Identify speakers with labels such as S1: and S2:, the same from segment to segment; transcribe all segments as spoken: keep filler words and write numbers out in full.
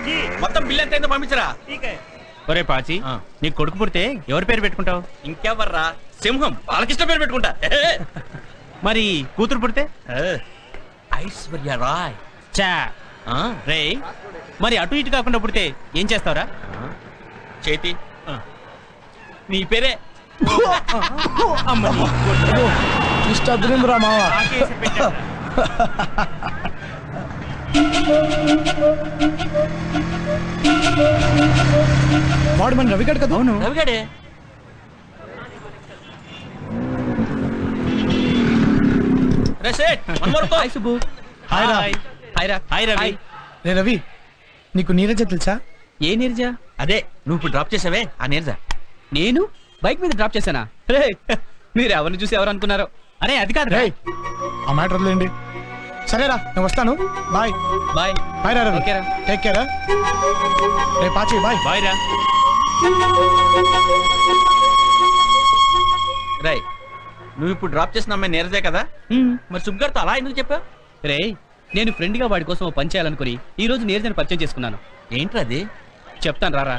S1: మొత్తం బిల్ ఎంత అయిందో పంపించరా.
S2: ఒరే పాచి, నీ కొడుకు పుడితే ఎవరి పేరు పెట్టుకుంటావు?
S1: ఇంకెవర్రా, సింహం బాలకృష్ణ పేరు పెట్టుకుంటా.
S2: మరి కూతురు పుడితే?
S1: ఐశ్వర్య రాయ్.
S2: చా రే, మరి అటు ఇటు కాకుండా పుడితే ఏం చేస్తావురా?
S1: చేతి నీ పేరే.
S3: ఇష్టరా మావా. వాడు మన రవిగడ్ కదా? అవును
S1: రవిగడే.
S3: రే రవి, నీకు నీరజ తెలుసా?
S2: ఏ నీరజ?
S1: అదే నువ్వు ఇప్పుడు డ్రాప్ చేసావే ఆ నీరజ.
S2: నేను బైక్ మీద డ్రాప్ చేశానా? రే, మీరు ఎవరిని చూసి ఎవరు అనుకున్నారో? అరే అది కాదు.
S3: రే ఆ మ్యాటర్ వదిలేండి. సరేరా, నేను వస్తాను. Bye
S2: bye.
S3: బాయ్ రా రవి.
S2: ఓకేరా,
S3: టేక్ కేర్. రే పాచి బాయ్.
S2: బాయ్ రా.
S1: రై, నువ్వు ఇప్పుడు డ్రాప్ చేసిన అమ్మాయి నీరజే కదా? మరి సుబ్గారితో అలా ఎందుకు చెప్పావు?
S2: రే, నేను ఫ్రెండ్ గా వాడి కోసం పని చేయాలనుకుని ఈ రోజు నీరజని పరిచయం చేసుకున్నాను.
S1: ఏంట్రా అది?
S2: చెప్తాను రారా.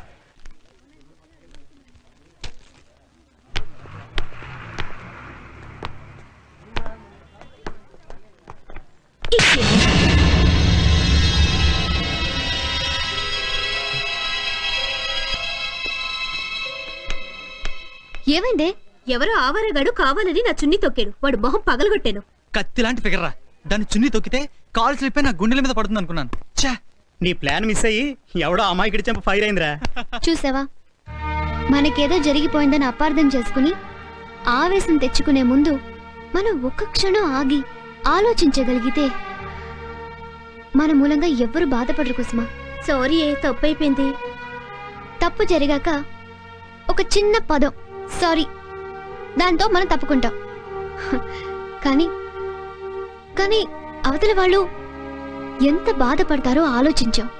S4: ఏమైందే? ఎవరో ఆవారగాడు కావాలని నా చున్ని తొక్కాడు. వాడు మొహం పగలగొట్టాను.
S5: కత్తి లాంటి ఫిగర్ రా. దాన్ని చున్ని తొక్కితే కాలు స్లిప్ అయి నా గుండెల మీద పడుతుంది అనుకున్నాను. ఛా,
S2: నీ ప్లాన్ మిస్ అయ్యి ఎవడో అమ్మాయికి చెంప ఫైర్ అయిందిరా.
S4: చూసావా, మనకేదో జరిగిపోయిందని అపార్థం చేసుకుని ఆవేశం తెచ్చుకునే ముందు మనం ఒక్క క్షణం ఆగి ఆలోచించగలిగితే మన మూలంగా ఎవ్వరు బాధపడరు కుసుమా. సారీ, ఏ తప్పైపోయింది. తప్పు జరిగాక ఒక చిన్న పదం సారీ, దాంతో మనం తప్పుకుంటాం. కానీ కానీ అవతల వాళ్ళు ఎంత బాధపడతారో ఆలోచించాం.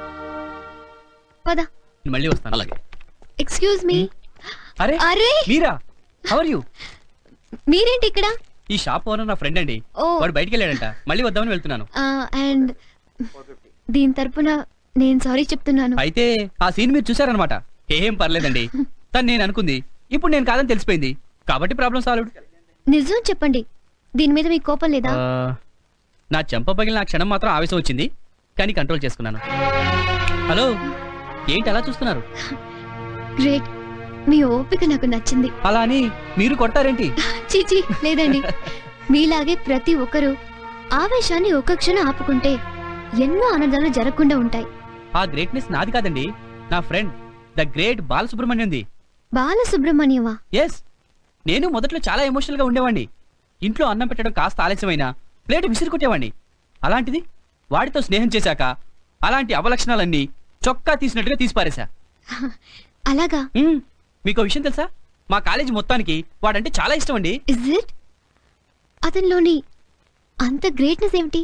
S4: పద,
S2: మళ్ళీ వస్తాను. అలాగే.
S4: Excuse me.
S2: అరే
S4: అరే
S2: మీరా? How are you?
S4: మీరేంటి ఇక్కడ?
S2: ఈ షాప్ ఓనర్ నా ఫ్రెండ్ అండి.
S4: ఓ.
S2: వాడు బయటికి వెళ్ళాడంట, మళ్ళీ వద్దామని వెళ్తున్నాను.
S4: అండ్ దీని తరపున నేను సారీ చెప్తున్నాను.
S2: అయితే ఆ సీన్ మీరు చూసారనమాట. ఏం పర్లేదండి, తను నేను అనుకుంది ఇప్పుడు నేను కాదని తెలిసిపోయింది కాబట్టి ప్రాబ్లం సాల్వ్డ్.
S4: నిజం చెప్పండి, దీని మీద మీకు కోపం లేదా?
S2: నా చెంప పగిలిన నా క్షణం మాత్రం ఆవేశం వచ్చింది, కానీ కంట్రోల్ చేసుకున్నాను. హలో, ఏంటి అలా చూస్తున్నారు?
S4: గ్రేట్, మీ ఓపిక నాకు నచ్చింది.
S2: అలా అని మీరు కొట్టారేంటి?
S4: చీచి లేదండి. మీలాగే ప్రతి ఒక్కరూ ఆవేశాన్ని ఒక్క క్షణం ఆపుకుంటే ఎన్నో ఆనందాలు జరగకుండా ఉంటాయి.
S2: ఆ గ్రేట్నెస్ నాది కాదండి, నా ఫ్రెండ్ ద గ్రేట్ బాలసుబ్రహ్మణ్యంది.
S4: బాలసుబ్రహ్మణ్యమా?
S2: ఎస్, నేను మొదట్లో చాలా ఎమోషనల్ గా ఉండేవాడిని. ఇంట్లో అన్నం పెట్టడం కాస్త ఆలస్యమైనా ప్లేట్ విసిరి కొట్టేవాడిని. అలాంటిది వాడితో స్నేహం చేశాక అలాంటి అవలక్షణాలన్నీ చొక్కా తీసినట్టుగా తీసిపారేశా.
S4: అలాగా?
S2: మీకు విషయం తెలుసా, మా కాలేజీ మొత్తానికి వాడంటే చాలా ఇష్టం అండి.
S4: Is it? అతనిలోని అంత గ్రేట్నెస్ ఏమిటి?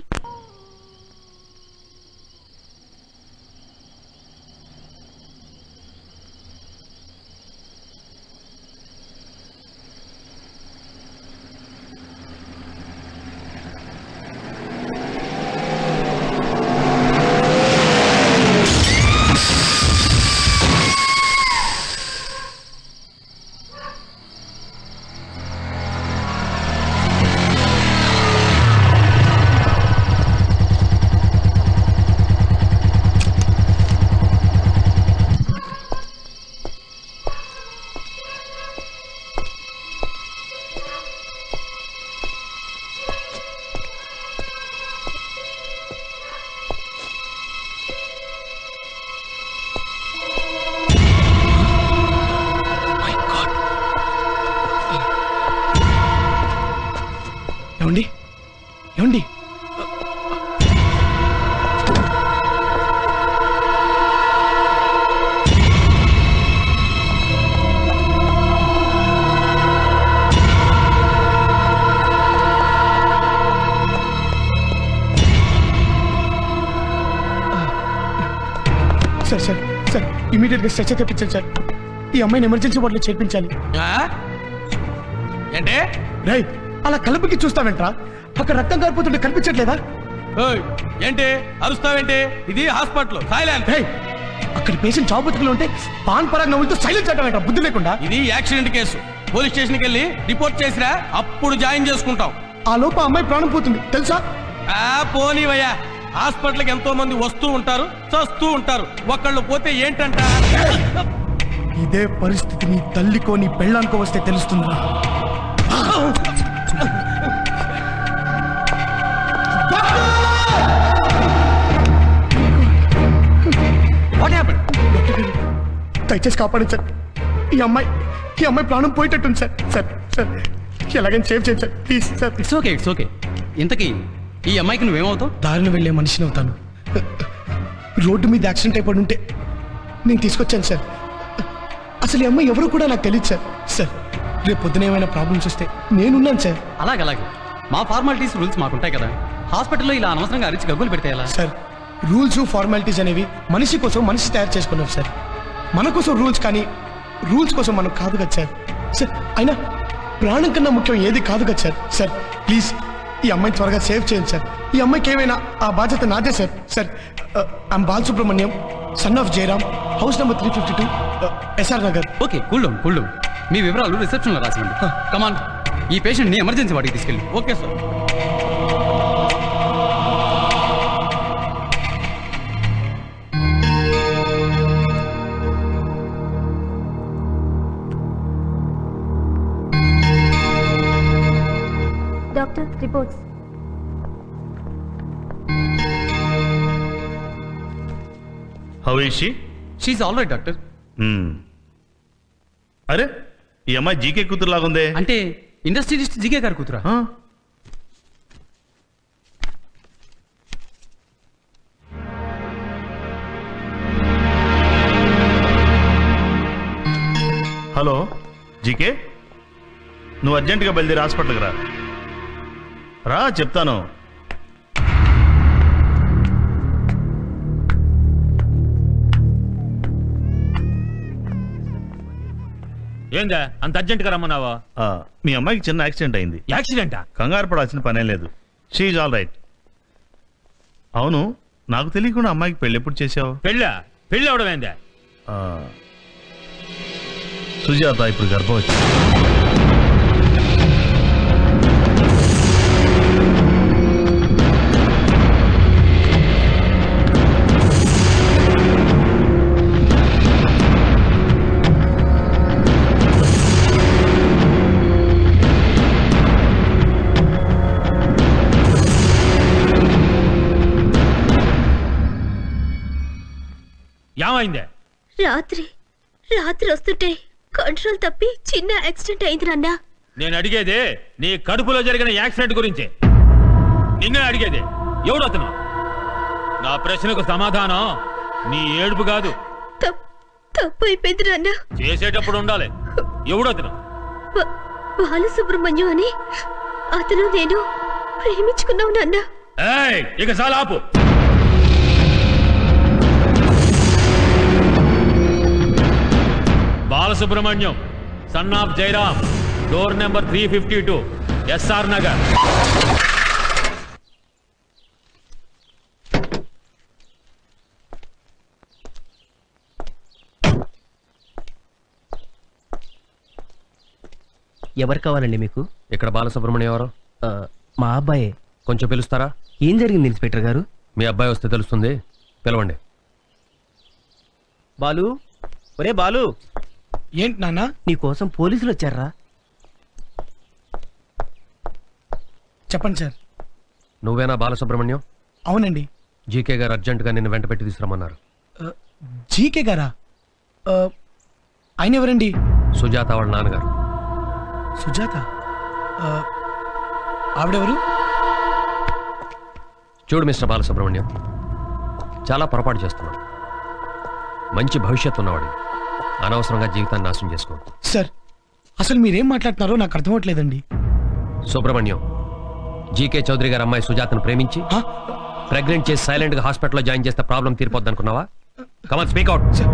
S3: ఏమండి ఏమండి సార్ సార్ సార్ ఇమీడియట్ గా స్ట్రెచర్ తెప్పించండి సార్. ఈ అమ్మాయిని ఎమర్జెన్సీ వార్డులో చేర్పించాలి.
S1: అంటే
S3: రై, అలా కలుపుకి చూస్తావేంట్రా? అక్కడ రక్తం కారిపోతుంటే కనిపించట్లేదా?
S1: ఏంటి అరుస్తావేంటి? ఇది హాస్పిటల్, సైలెన్స్.
S3: రేయ్, అక్కడ పేషెంట్ చావు బతుకులు ఉంటే పాన్ పరాగ్ నవ్వులతో సైలెన్స్ అంటావేంట్రా బుద్ధి లేకుండా?
S1: ఇది యాక్సిడెంట్ కేసు. పోలీస్ స్టేషన్కి వెళ్ళి రిపోర్ట్ చేసిరా, అప్పుడు జాయిన్ చేసుకుంటాం.
S3: ఆ లోపు ఆ అమ్మాయి ప్రాణం పోతుంది తెలుసా?
S1: ఆ పోనీవయ్యా, హాస్పిటల్కి ఎంతో మంది వస్తూ ఉంటారు, చస్తూ ఉంటారు. ఒకళ్ళు పోతే ఏంటంట?
S3: ఇదే పరిస్థితి నీ తల్లికో నీ పెళ్ళానికో వస్తే తెలుస్తుందా?
S1: What happened?
S3: దయచేసి కాపాడండి సార్. ఈ అమ్మాయి ఈ అమ్మాయి ప్రాణం పోయేటట్టుంది సార్. సార్ సార్ ఎలాగైనా సేవ్ చేయండి sir please sir.
S2: It's okay it's okay. ఇంతకీ ఈ అమ్మాయికి నువ్వేమవుతావు?
S3: దారిని వెళ్ళే మనిషిని అవుతాను. రోడ్డు మీద యాక్సిడెంట్ అయిపడి ఉంటే నేను తీసుకొచ్చాను సార్. అసలు ఈ అమ్మాయి ఎవరు కూడా నాకు తెలియదు సార్. సార్ రేపు పొద్దున ఏమైనా ప్రాబ్లమ్స్ వస్తే నేనున్నాను సార్.
S2: అలాగే అలాగే మా ఫార్మాలిటీస్ రూల్స్ మాకుంటాయి కదా. హాస్పిటల్లో ఇలా అనవసరంగా అరిచి గగ్గులు పెడితే ఎలా?
S3: సార్ రూల్స్ ఫార్మాలిటీస్ అనేవి మనిషి కోసం మనిషి తయారు చేసుకున్నాం సార్. మన కోసం రూల్స్ కానీ రూల్స్ కోసం మనం కాదు కదా సార్. సార్ అయినా ప్రాణం కన్నా ముఖ్యం ఏది కాదు కదా సార్. సార్ ప్లీజ్ ఈ అమ్మాయిని త్వరగా సేవ్ చేయండి సార్. ఈ అమ్మాయికి ఏమైనా ఆ బాధ్యత నాదే sir. Sir I'm Balasubrahmanyam, son of Jayaram, house number three fifty two, SR Nagar.
S2: Okay cool down cool down. మీ వివరాలు రిసెప్షన్లో రాసివ్వండి. కమాన్, ఈ పేషెంట్ని ఎమర్జెన్సీ వాడికి తీసుకెళ్ళి.
S1: Okay sir.
S4: Doctor reports.
S6: How is she?
S2: She's all right doctor.
S6: అరే ఈ అమ్మాయి జీకే కూతురు లాగుందే.
S2: అంటే ఇండస్ట్రియలిస్ట్ జీకే గారు కూతురా?
S6: ఆ? హలో జీకే, నువ్వు అర్జెంటుగా బయలుదేరి హాస్పిటల్కి రా. రా చెప్తాను.
S7: ఏందా అంత అర్జెంట్ గా రమ్మన్నావా?
S6: ఆ, మీ అమ్మాయికి చిన్న యాక్సిడెంట్ అయింది.
S7: యాక్సిడెంటా?
S6: కంగారు పడాల్సిన పనేం లేదు. She's all right. అవును, నాకు తెలియకుండా అమ్మాయికి పెళ్ళి ఎప్పుడు చేసావు?
S7: పెళ్ళా? పెళ్ళి అవడమేందా?
S6: ఆ, సుజాత ఇప్పుడు గర్భవతి.
S7: ఏమైందే?
S8: రాత్రి రాత్రి వస్తుంటే కంట్రోల్ తప్పి చిన్న యాక్సిడెంట్ అయింది నాన్న.
S7: నేను అడిగేదే నీ కడుపులో జరిగిన యాక్సిడెంట్ గురించే. నిన్నే అడిగేదే. ఎవడతను? నా ప్రశ్నకు సమాధానం నీ ఏడుపు కాదు.
S8: తప్- తప్పు అయిపోయింది నాన్న.
S7: చేసేటప్పుడు ఉండాలి. ఎవడతను?
S8: బ- బాలసుబ్రహ్మణ్యం అని అతను నేను ప్రేమించుకున్నావు నాన్న.
S7: ఏయ్, ఇక చాలా ఆపు. Balasubrahmanyam, son of Jairam, door number three fifty two, SR Nagar.
S9: ఎవరు కావాలండి మీకు?
S10: ఇక్కడ బాలసుబ్రహ్మణ్యం ఎవరు?
S9: ఆ, మా అబ్బాయే.
S10: కొంచెం పిలుస్తారా?
S9: ఏం జరిగింది ఇన్స్పెక్టర్ గారు?
S10: మీ అబ్బాయి వస్తే తెలుస్తుంది. పిలవండి.
S9: బాలు, ఒరే బాలు,
S3: ఏంటి నాన్న?
S9: నీ కోసం పోలీసులు వచ్చారా?
S3: చెప్పండి సార్.
S10: నువ్వేనా బాలసుబ్రహ్మణ్యం?
S3: అవునండి.
S10: జీకే గారు అర్జెంటుగా నిన్ను వెంట పెట్టి తీసుకురమ్మన్నారు.
S3: జీకే గారా? ఆ, ఆయన ఎవరండి?
S10: సుజాత వాళ్ళ నాన్నగారు.
S3: సుజాత? ఆ, ఆవిడెవరు?
S10: చూడు మిస్టర్ బాలసుబ్రహ్మణ్యం, చాలా పొరపాటు చేస్తున్నాడు. మంచి భవిష్యత్తు ఉన్నవాడు. అనవసరంగా జీవితాన్ని నాశనం చేసుకోవద్దు.
S3: సార్ అసలు మీరేం మాట్లాడుతున్నారో నాకు అర్థమవట్లేదండి.
S10: సుబ్రహ్మణ్యం, జీకే చౌదరి గారు అమ్మాయి సుజాతను ప్రేమించి
S3: హా?
S10: ప్రెగ్నెంట్ చేసి సైలెంట్ గా హాస్పిటల్లో జాయిన్ చేస్తే ప్రాబ్లం తీరిపోద్ది అనుకున్నావా? Come on speak out.
S3: Sir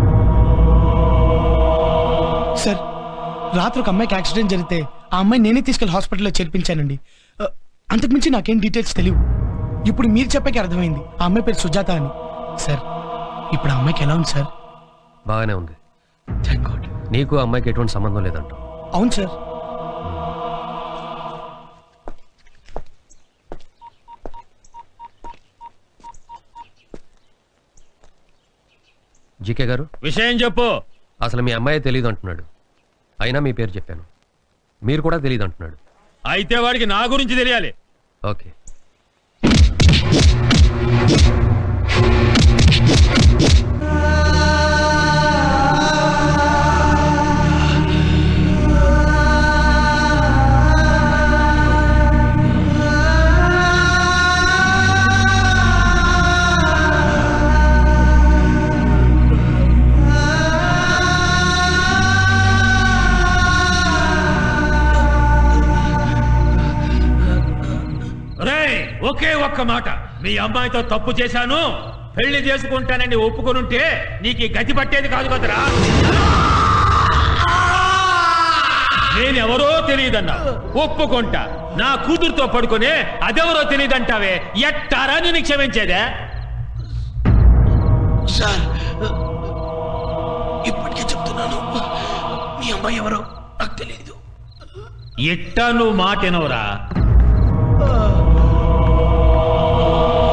S3: sir రాత్రి ఒక అమ్మాయికి యాక్సిడెంట్ జరిగితే ఆ అమ్మాయి నేనే తీసుకెళ్లి హాస్పిటల్లో చేర్పించానండి. ఆ, అంతకుమించి నాకేం డీటెయిల్స్ తెలియవు. ఇప్పుడు మీరు చెప్పాక అర్థమైంది ఆ అమ్మాయి పేరు సుజాత అని. సార్ ఇప్పుడు ఆ అమ్మాయికి ఎలా ఉంది సార్?
S10: బాగానే ఉంది.
S3: Thank God.
S10: నీకు ఆ అమ్మాయికి ఎటువంటి సంబంధం లేదంట.
S3: అవును సార్.
S10: జీకే గారు,
S7: విషయం చెప్పు.
S10: అసలు మీ అమ్మాయి తెలియదు అంటున్నాడు. అయినా మీ పేరు చెప్పాను. మీరు కూడా తెలియదు అంటున్నాడు.
S7: అయితే వాడికి నా గురించి తెలియాలి.
S10: ఓకే.
S7: ఒకే ఒక్క మాట, మీ అమ్మాయితో తప్పు చేశాను, పెళ్లి చేసుకుంటానని ఒప్పుకొనుంటే నీకు ఈ గతి పట్టేది కాదు కదరా. నేనెవరో తెలియదన్నా ఒప్పుకుంటా, నా కూతురుతో పడుకునే అదెవరో తెలియదంటావే, ఎట్టారా నేను క్షమించేదే?
S3: సార్ ఇప్పటికే చెప్తున్నాను, మీ అమ్మాయి ఎవరో నాకు తెలియదు.
S7: ఎట్టా నువ్వు మాటెనవరా?